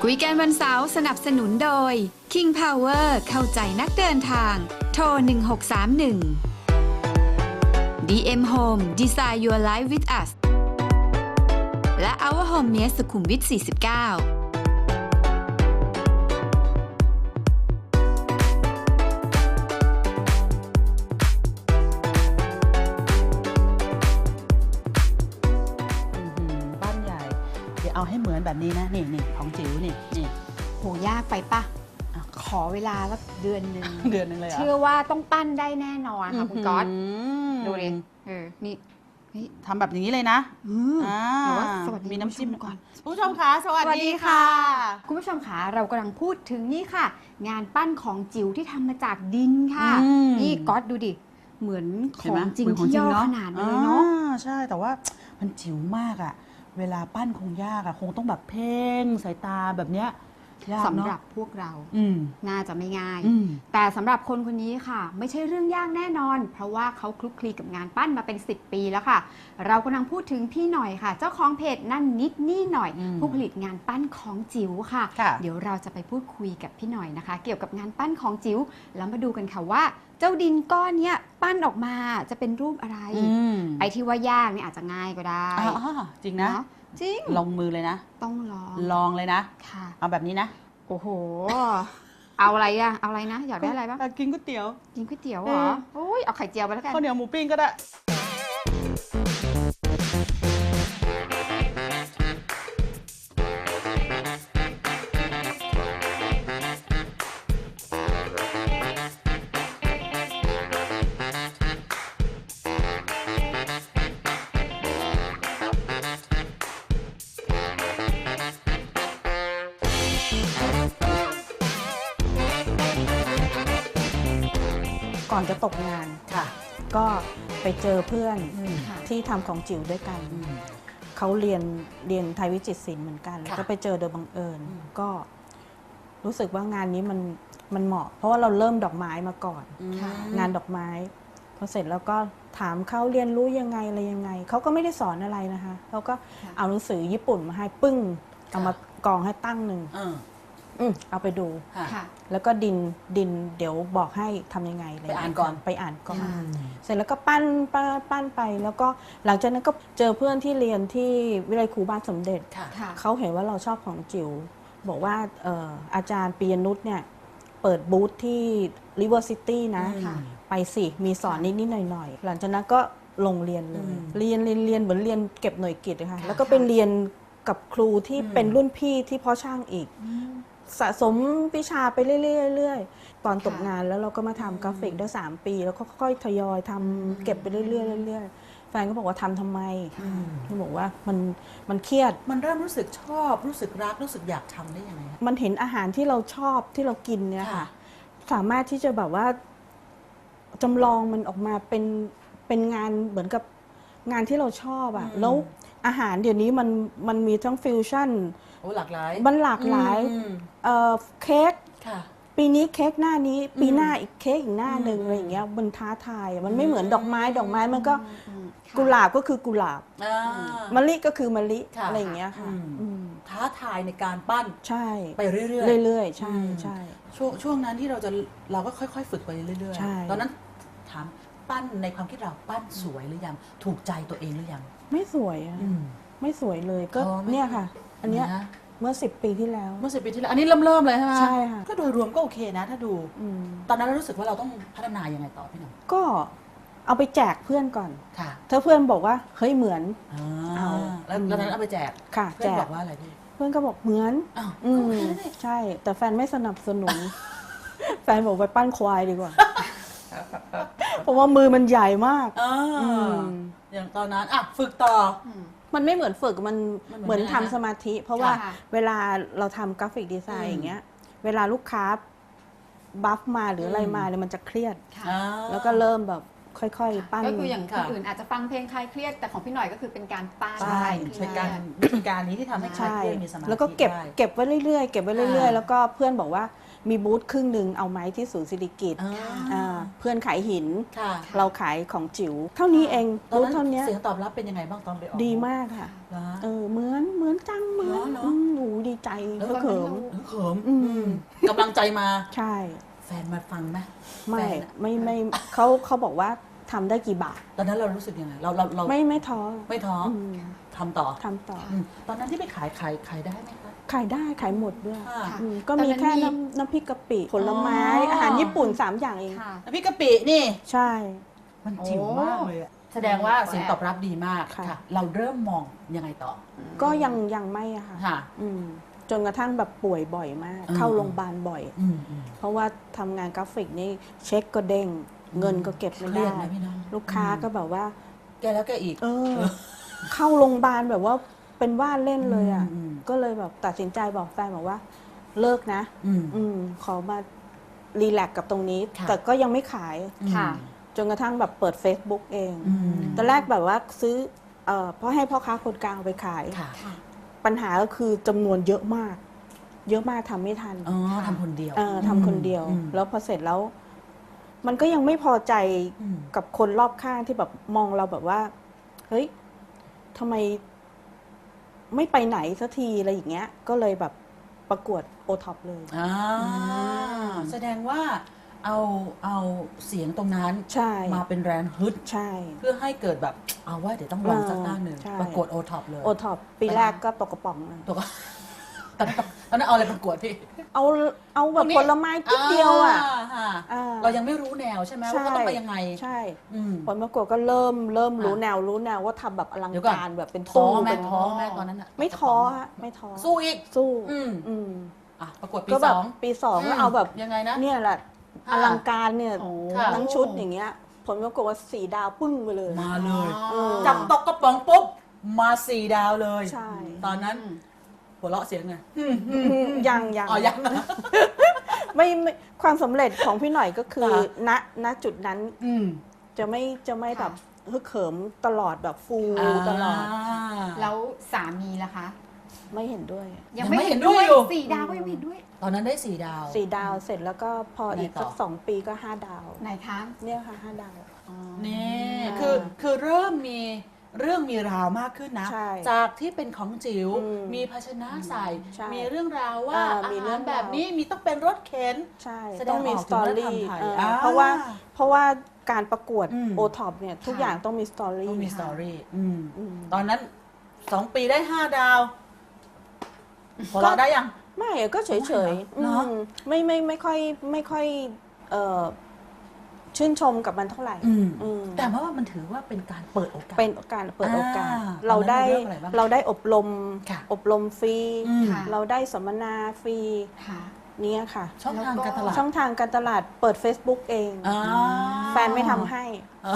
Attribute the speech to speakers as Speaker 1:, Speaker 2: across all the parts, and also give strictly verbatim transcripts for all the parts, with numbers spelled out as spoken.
Speaker 1: คุยกันวันเสาร์สนับสนุนโดย King Power เข้าใจนักเดินทาง โทร หนึ่ง หก สาม หนึ่ง ดี เอ็ม Home Design Your Life with Us และ Our Home เนี้ยสุขุมวิท สี่สิบเก้า
Speaker 2: เอาให้เหมือนแบบนี้นะนี่นี่ของจิ๋วนี่นี่
Speaker 3: โหยากไปปะขอเวลาสักเดือนหนึ่ง
Speaker 2: เดือนหนึ่งเลยเหรอ
Speaker 3: เชื่อว่าต้องปั้นได้แน่นอนค่ะคุณก๊อตดูดิเออนี่
Speaker 2: นี่ทำแบบอย่างนี้เลยนะ
Speaker 3: อ่าสวัสดี
Speaker 2: มีน้ำจิ้มก่อน
Speaker 3: ผู้ชมคะสวัสดีค่ะคุณผู้ชมคะเรากำลังพูดถึงนี่ค่ะงานปั้นของจิ๋วที่ทำมาจากดินค่ะนี่ก๊อตดูดิเหมือนของจริงที่ย่อขนาดเลยเนาะ
Speaker 2: ใช่แต่ว่ามันจิ๋วมากอะเวลาปั้นคงยากอะคงต้องแบบเพ่งสายตาแบบเนี้ย
Speaker 3: สำหรับพวกเราน่าจะไม่ง่ายแต่สำหรับคนคนนี้ค่ะไม่ใช่เรื่องยากแน่นอนเพราะว่าเขาคลุกคลีกับงานปั้นมาเป็นสิบปีแล้วค่ะเรากำลังพูดถึงพี่หน่อยค่ะเจ้าของเพจนั่นนิดนี่หน่อยผู้ผลิตงานปั้นของจิ๋วค่ะเดี๋ยวเราจะไปพูดคุยกับพี่หน่อยนะคะเกี่ยวกับงานปั้นของจิ๋วแล้วมาดูกันค่ะว่าเจ้าดินก้อนนี้ปั้นออกมาจะเป็นรูปอะไรไอ้ที่ว่ายากเนี่ยอาจจะง่ายก็ได้
Speaker 2: จริงนะ
Speaker 3: จริง
Speaker 2: ลงมือเลยนะ
Speaker 3: ต้องลอง
Speaker 2: ลองเลยนะ
Speaker 3: ค่ะ
Speaker 2: เอาแบบนี้นะ
Speaker 3: โอ้โหเอาอะไรอะเอาอะไรนะอยากได้อะไรบ้าง
Speaker 2: กินก๋วยเตี๋ยว
Speaker 3: กินก๋วยเตี๋ยวเหรอโอ้ยเอาไข่เจียวไปแล้วกัน
Speaker 2: ข้าวเหนียวหมูปิ้งก็ได้ก่อนจะตกงานค่ะก็ไปเจอเพื่อนที่ทำของจิ๋วด้วยกันเขาเรียนเรียนไทยวิจิตรศิลป์เหมือนกันก็ไปเจอโดยบังเอิญก็รู้สึกว่างานนี้มันมันเหมาะเพราะว่าเราเริ่มดอกไม้มาก่อนงานดอกไม้พอเสร็จแล้วก็ถามเขาเรียนรู้ยังไงอะไรยังไงเขาก็ไม่ได้สอนอะไรนะคะเขาก็เอาหนังสือญี่ปุ่นมาให้ปึ้งเอามากองให้ตั้งหนึ่งเอาไปดูแล้วก็ดินดินเดี๋ยวบอกให้ทำยังไงเลยไปอ่านก่อนไปอ่านก่อนเสร็จแล้วก็ปั้นปั้นปั้นไปแล้วก็หลังจากนั้นก็เจอเพื่อนที่เรียนที่วิทยาลัยครูบ้านสมเด็จเขาเห็นว่าเราชอบของจิ๋วบอกว่าอาจารย์ปียนุชเนี่ยเปิดบูธที่ River City นะไปสิมีสอนนิดนิดหน่อยหน่อยหลังจากนั้นก็ลงเรียนเลยเรียนเรียนเรียนเหมือนเรียนเก็บหน่วยกิตนะคะแล้วก็ไปเรียนกับครูที่เป็นรุ่นพี่ที่พ่อช่างอีกสะสมวิชาไปเรื่อยๆตอนตกงานแล้วเราก็มาทำกราฟิกได้สามปีแล้วก็ค่อยๆทยอยทำเก็บไปเรื่อยๆเรื่อยๆแฟนก็บอกว่าทำทำไมเขาบอกว่ามันมันเครียดมันเริ่มรู้สึกชอบรู้สึกรักรู้สึกอยากทำได้ยังไง
Speaker 3: มันเห็นอาหารที่เราชอบที่เรากินเนี่ยค่ะสามารถที่จะแบบว่าจำลองมันออกมาเป็นเป็นงานเหมือนกับงานที่เราชอบอ่ะแล้วอาหารเดี๋ยวนี้มันมันมีทั้งฟิวชั่น
Speaker 2: โอ้หลากหลาย
Speaker 3: มันหลากหลายเอ่อเค้กปีนี้เค้กหน้านี้ปีหน้าอีกเค้กอีกหน้าหนึ่งอะไรอย่างเงี้ยมันท้าทายมันไม่เหมือนดอกไม้ดอกไม้มันก็กุหลาบก็คือกุหลาบมะลิก็คือมะลิอะไรอย่างเงี้ยค่ะ
Speaker 2: ท้าทายในการปั้น
Speaker 3: ใช่
Speaker 2: ไปเรื่อย
Speaker 3: ๆเรื่อยๆใช่ใช่
Speaker 2: ช่วงช่วงนั้นที่เราจะเราก็ค่อยๆฝึกไปเรื่อยๆตอนนั้นถามปั้นในความคิดเราปั้นสวยหรือยังถูกใจตัวเองหรือยัง
Speaker 3: ไม่สวยอ่ะไม่สวยเลยก็เนี่ยค่ะอันเนี้ยเมื่อสิบปีที่แล้ว
Speaker 2: เมื่อสิบปีที่แล้วอันนี้เริ่มเริ่มเลยใช่ไหม
Speaker 3: ใช่ค่ะ
Speaker 2: ก็โดยรวมก็โอเคนะถ้าดูตอนนั้นเรารู้สึกว่าเราต้องพัฒนายังไงต่อพี่หนุ่ม
Speaker 3: ก็เอาไปแจกเพื่อนก่อนถ้าเพื่อนบอกว่าเฮ้ยเหมือน
Speaker 2: เอาแล้วตอนนั้นเอาไปแจก
Speaker 3: ค่ะ
Speaker 2: เพื่อนบอกว่าอะไรพี่
Speaker 3: เพื่อนก็บอกเหมือนอืมใช่แต่แฟนไม่สนับสนุนแฟนบอกไปปั้นควายดีกว่าเพราะว่ามือมันใหญ่มาก
Speaker 2: อย่างตอนนั้นอ่ะฝึกต่อ
Speaker 3: มันไม่เหมือนฝึกมันเหมือนทำสมาธิเพราะว่าเวลาเราทำกราฟิกดีไซน์อย่างเงี้ยเวลาลูกค้าบัฟมาหรืออะไรมาเนี่ยมันจะเครียดแล้วก็เริ่มแบบค่อยๆปั้น
Speaker 4: ก็คืออย่างคนอื่นอาจจะฟังเพลงคลายเครียดแต่ของพี่หน่อยก็คือเป็นการปั้น
Speaker 2: ใช่เป็นการวิธีการนี้ที่ทำให้คลายเครียดมีสมาธิ
Speaker 3: แล้วก็เก็บเก็บไว้เรื่อยๆเก็บไว้เรื่อยๆแล้วก็เพื่อนบอกว่า
Speaker 2: มีบูธครึ่งหนึ่งเอาไม้ที่ศูนย์สิริกิติ์
Speaker 5: อ่า
Speaker 2: อ่าเพื่อนขายหิน
Speaker 5: ค่ะ
Speaker 2: เราขายของจิ๋วเท่านี้เอง
Speaker 5: ตอน
Speaker 2: บูธ
Speaker 5: นั้น
Speaker 2: เท่านี้
Speaker 5: เสียงตอบรับเป็นยังไงบ้างตอนไปออก
Speaker 2: ดีมากค่ะ
Speaker 5: เหรอ
Speaker 2: เออเหมือนเหมือนจังเหมือน
Speaker 5: เหรอ
Speaker 2: อืมหนูดีใจ
Speaker 5: เออ
Speaker 2: ก็เขิม
Speaker 5: เขิม
Speaker 2: อืม
Speaker 5: กำลังใจมา
Speaker 2: ใช่
Speaker 5: แฟนมาฟังไหม
Speaker 2: ไม่
Speaker 5: แฟนอะ
Speaker 2: ไม่ไม่เขาเขาบอกว่าทำได้กี่บาท
Speaker 5: ตอนนั้นเรารู้สึกยังไงเราเราเรา
Speaker 2: ไม่ไม่ท้อ
Speaker 5: ไม่ท้ออ
Speaker 2: อืม
Speaker 5: ทำต่อ
Speaker 2: ทำต่อ
Speaker 5: อืมตอนนั้นที่ไปขายขายขายได้ไหมคะ
Speaker 2: ขายได้ขายหมดด้วย
Speaker 5: ค่ะ
Speaker 2: อืมก็มีแค่น้ำน้ำพริกกะปิผลไม้
Speaker 5: อ๋ออ
Speaker 2: อาหารญี่ปุ่นสามอย่างเอง
Speaker 3: ค่ะ
Speaker 5: น้ำพริกกะปินี่
Speaker 2: ใช่
Speaker 5: มันจิ๋วมากเลยอะแสดงว่าเสียงตอบรับดีมาก
Speaker 2: ค่ะ
Speaker 5: ค่ะ เราเริ่มมองยังไงต่อ
Speaker 2: ก็ยังยังไม่อะค่ะ
Speaker 5: ค่ะ
Speaker 2: อืมจนกระทั่งแบบป่วยบ่อยมาก
Speaker 5: อืม
Speaker 2: เข้าโรงพยาบาลบ่อย
Speaker 5: อืมอืม
Speaker 2: เพราะว่าทำงานกราฟิกนี่เช็คก็เด้ง เงินก็เก็บไม่
Speaker 5: เครี
Speaker 2: ได้
Speaker 5: ยดนะพี่น้อง
Speaker 2: ลูกค้าก็แบบว่า
Speaker 5: แกแล้วแกอีก
Speaker 2: เออ เข้าโรงพยาบาลแบบว่าเป็นว่าเล่นเลยอ่ะ
Speaker 5: อืมอืม
Speaker 2: ก็เลยแบบตัดสินใจบอกแฟนบอกว่า เลิกนะ
Speaker 5: อืม
Speaker 2: อืมขอมารีแลกซ์กับตรงนี้
Speaker 5: ค่ะ
Speaker 2: แต่ก็ยังไม่ขาย
Speaker 3: ค่ะ
Speaker 2: จนกระทั่งแบบเปิด Facebook เอง
Speaker 5: อืม
Speaker 2: ตอนแรกแบบว่าซื้อเอ่อเพราะให้พ่อค้าคนกลางเอาไปขาย
Speaker 5: ค่ะ
Speaker 2: ปัญหาก็คือจำนวนเยอะมาก เยอะมากทำไม่ทัน
Speaker 5: อ๋อทำคนเดียว
Speaker 2: เออทำคนเดียว
Speaker 5: อืม
Speaker 2: แล้วพอเสร็จแล้ว มันก็ยังไม่พอใจ
Speaker 5: อืม
Speaker 2: กับคนรอบข้างที่แบบมองเราแบบว่า เฮ้ยทำไมไม่ไปไหนสักทีอะไรอย่างเงี้ย ก็เลยแบบประกวดโอท็อปเลย
Speaker 5: อ่าแสดงว่าเอาเอาเสียงตรงนั้น
Speaker 2: ใช่
Speaker 5: มาเป็นแรงฮึด
Speaker 2: ใช่
Speaker 5: เพื่อให้เกิดแบบเอาว่าเดี๋ยวต้องลองสักตั้งหนึ่ง
Speaker 2: ใช่
Speaker 5: ประกวดโอท็อปเลย
Speaker 2: โอท็อปปีแรกก็ตกกระป๋องเลย
Speaker 5: ตัวก็ ตอนนั้นตอนนั้นเอาอะไรประกวดพี่
Speaker 2: เอาเอาแบบ
Speaker 5: ตรงนี้
Speaker 2: ผลไม้นิดเดียวอ่ะ
Speaker 5: า
Speaker 2: อ่า
Speaker 5: เรายังไม่รู้แนวใช่ไหมว่าเขาต้องไปยังไง
Speaker 2: ใช่
Speaker 5: อืม
Speaker 2: ผลประกวดก็เริ่มเริ่มรู้
Speaker 5: อ่ะ
Speaker 2: แนวรู้แนวว่าทำแบบอลัง
Speaker 5: เดี๋ยวก่อน
Speaker 2: การแบบเป็น
Speaker 5: ท้อ
Speaker 2: ตู้
Speaker 5: แม่
Speaker 2: เป็น
Speaker 5: ท้อแม่ตอนนั้นอะ
Speaker 2: ไม่ท้อฮะไม่ท้อ
Speaker 5: สู้อีก
Speaker 2: สู้
Speaker 5: อืม
Speaker 2: อืม
Speaker 5: อ่ะประกวดปี
Speaker 2: ก็แบ
Speaker 5: ส
Speaker 2: บ
Speaker 5: อง
Speaker 2: ปีสองก็เอาแบบ
Speaker 5: ยังไงนะ
Speaker 2: เนี่ยแหละ
Speaker 5: ค่ะ
Speaker 2: อลังการเนี่ย
Speaker 3: โอ้
Speaker 5: ค่ะ
Speaker 2: ทั้งชุดอย่างเงี้ย ผลปรากฏว่าสี่ดาวปึ้งไปเลย
Speaker 5: มาเลย
Speaker 2: เออ
Speaker 5: จับตกกระป๋องปุ๊บมาสี่ดาวเลย
Speaker 2: ใช่
Speaker 5: ตอนนั้นหัวเราะเสียงไง
Speaker 2: ยังยัง
Speaker 5: อ๋อยังนะ
Speaker 2: ไม่ไม่ความสำเร็จของพี่หน่อยก็คือ
Speaker 5: ค่ะ
Speaker 2: ณณจุดนั้น
Speaker 5: อืม
Speaker 2: จะไม่จะไม่แบบฮึกเหิมตลอดแบบฟู
Speaker 5: อ่า
Speaker 2: ตลอด
Speaker 3: แล้วสามีล่ะคะ
Speaker 2: ไม่เห็นด้วย
Speaker 5: ยังไม่เห็นด้วยอยู่
Speaker 3: สี่ดาวก็ยังไม่เห็นด้วย
Speaker 5: ตอนนั้นได้สี่ดาว
Speaker 2: สี่ดาวเสร็จแล้วก็พออีก
Speaker 5: ไงต่อ
Speaker 2: สักสองปีก็ห้าดาว
Speaker 3: ไหนคะ
Speaker 2: เนี่ยค่ะห้าดาว
Speaker 5: นี่
Speaker 2: อ่า
Speaker 5: คือคือเริ่มมีเรื่องมีราวมากขึ้นนะ
Speaker 2: ใช่
Speaker 5: จากที่เป็นของจิ๋ว
Speaker 2: อืม
Speaker 5: มีภาชนะใส่
Speaker 2: ใช่
Speaker 5: มีเรื่องราวว่า
Speaker 2: อ่า
Speaker 5: อา
Speaker 2: มีเรื่
Speaker 5: หา
Speaker 2: อ
Speaker 5: รง แบบ
Speaker 2: ราว
Speaker 5: นี้มีต้องเป็นรถเข็น
Speaker 2: ใช่
Speaker 5: แสดง
Speaker 2: ต้องมี
Speaker 5: ออก
Speaker 2: ส
Speaker 5: ถึ
Speaker 2: ต
Speaker 5: ง
Speaker 2: อ
Speaker 5: วัฒนธร
Speaker 2: รี่
Speaker 5: รมไทย
Speaker 2: เออ
Speaker 5: อ่า
Speaker 2: เพราะว่าเพราะว่าการประกวด
Speaker 5: อืม
Speaker 2: โอท็อปเนี่ยทุกอย่างต้องมีสตอรี่
Speaker 5: ต้องมีสตอรี่อืม
Speaker 2: อืม
Speaker 5: ตอนนั้นสองปีได้ห้าดาวพอเราะได้ยัง
Speaker 2: ไม่อะก็เฉยเฉยๆ
Speaker 5: เหรอ
Speaker 2: อืมไม่ไม่ไม่ค่อยไม่ค่อยเอ่อชื่นชมกับมันเท่าไหร่
Speaker 5: อืม
Speaker 2: อืม
Speaker 5: แต่ว่ามันถือว่าเป็นการเปิดโอกาส
Speaker 2: เป็นการเปิดโอกาส
Speaker 5: อ่า
Speaker 2: เราได้
Speaker 5: ตอนนั้นเราเลือกอะไรบ้าง
Speaker 2: เราได้อบรม
Speaker 5: ค่ะ
Speaker 2: อบรมฟรี
Speaker 5: อืม
Speaker 3: ค่ะ
Speaker 2: เราได้สัมมนาฟรี
Speaker 3: ค่ะ
Speaker 2: เนี่ยค่ะ
Speaker 5: ช่องทางการตลาด
Speaker 2: ช่องทางการตลาดเปิด Facebook เอง
Speaker 5: อ่า
Speaker 2: แฟนไม่ทำให้
Speaker 5: อ่า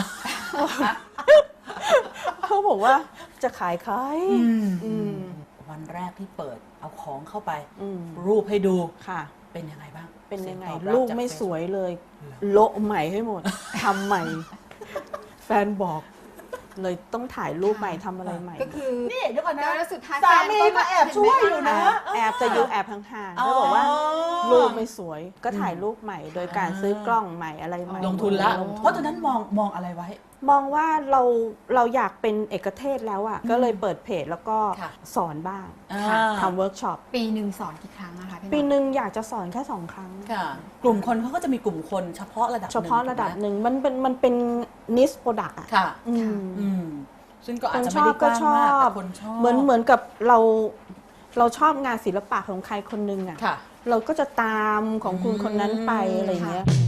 Speaker 2: เขาบอกว่าจะขายใคร
Speaker 5: อืม
Speaker 2: อืม
Speaker 5: วันแรกที่เปิดเอาของเข้าไป
Speaker 2: อืม
Speaker 5: รูปให้ดู
Speaker 2: ค่ะ
Speaker 5: เป็นยังไงบ้าง
Speaker 2: เป็นยังไง
Speaker 5: สีตอบรับ
Speaker 2: ลูก
Speaker 5: จาก
Speaker 2: ไม่
Speaker 5: เฟซ
Speaker 2: สวยเลย โละใหม่ให้หมด ทำใหม่ แฟนบอก เลยต้องถ่ายรูปใหม่ทำอะไรใหม่
Speaker 3: ก็คือ
Speaker 5: นี่เดี๋ยวก่อนนะ
Speaker 3: แล้วสุดท้าย
Speaker 5: สามีก็แอบช่วยอยู่นะ
Speaker 2: แอบจะอยู่แอบห่างๆเขาบอกว่ารูปไม่สวยก็ถ่ายรูปใหม่ โดยการซื้อกล้องใหม่อะไรใหม่
Speaker 5: ลงทุนละ
Speaker 2: ลงทุน
Speaker 5: เพราะตอนนั้นมองมองอะไรไว้
Speaker 2: มองว่าเราเราอยากเป็นเอกเทศแล้วอ่ะก็เลยเปิดเพจแล้วก็
Speaker 5: ค่ะ
Speaker 2: สอนบ้าง
Speaker 5: อ่า
Speaker 2: ค่ะทำเวิร์กช็อป
Speaker 3: ปีหนึ่งสอนกี่ครั้งนะคะพี่
Speaker 2: ปี
Speaker 3: ห
Speaker 2: ห
Speaker 3: นึ่ง
Speaker 2: นึ่งอยากจะสอนแค่สองครั้ง
Speaker 5: ค่ะ กลุ่มคนเขาก็จะมีกลุ่มคนเฉพาะระดับ
Speaker 2: เฉพาะระดับ
Speaker 5: ถูกไหม
Speaker 2: หนึ่งมันเป็นมันเป็นนิสโปรดักต์อ่ะ
Speaker 5: ค่ะ
Speaker 2: อืม
Speaker 5: อืมซึ่งก็
Speaker 2: ค
Speaker 5: อาจ
Speaker 2: น
Speaker 5: จะ
Speaker 2: ช
Speaker 5: ไม่
Speaker 2: อ
Speaker 5: ได้
Speaker 2: บ
Speaker 5: ก
Speaker 2: ก็
Speaker 5: ว้าง
Speaker 2: ช
Speaker 5: มาก
Speaker 2: อบ
Speaker 5: แต่คนชอบ
Speaker 2: เหมือนเหมือนกับเราเราชอบงานศิลปะของใครคนหนึงอ่ะ
Speaker 5: ค่ะ
Speaker 2: เราก็จะตามของคุณคนนั้นไป
Speaker 5: อืม
Speaker 2: อะไรเงี้ย
Speaker 3: ค่ะ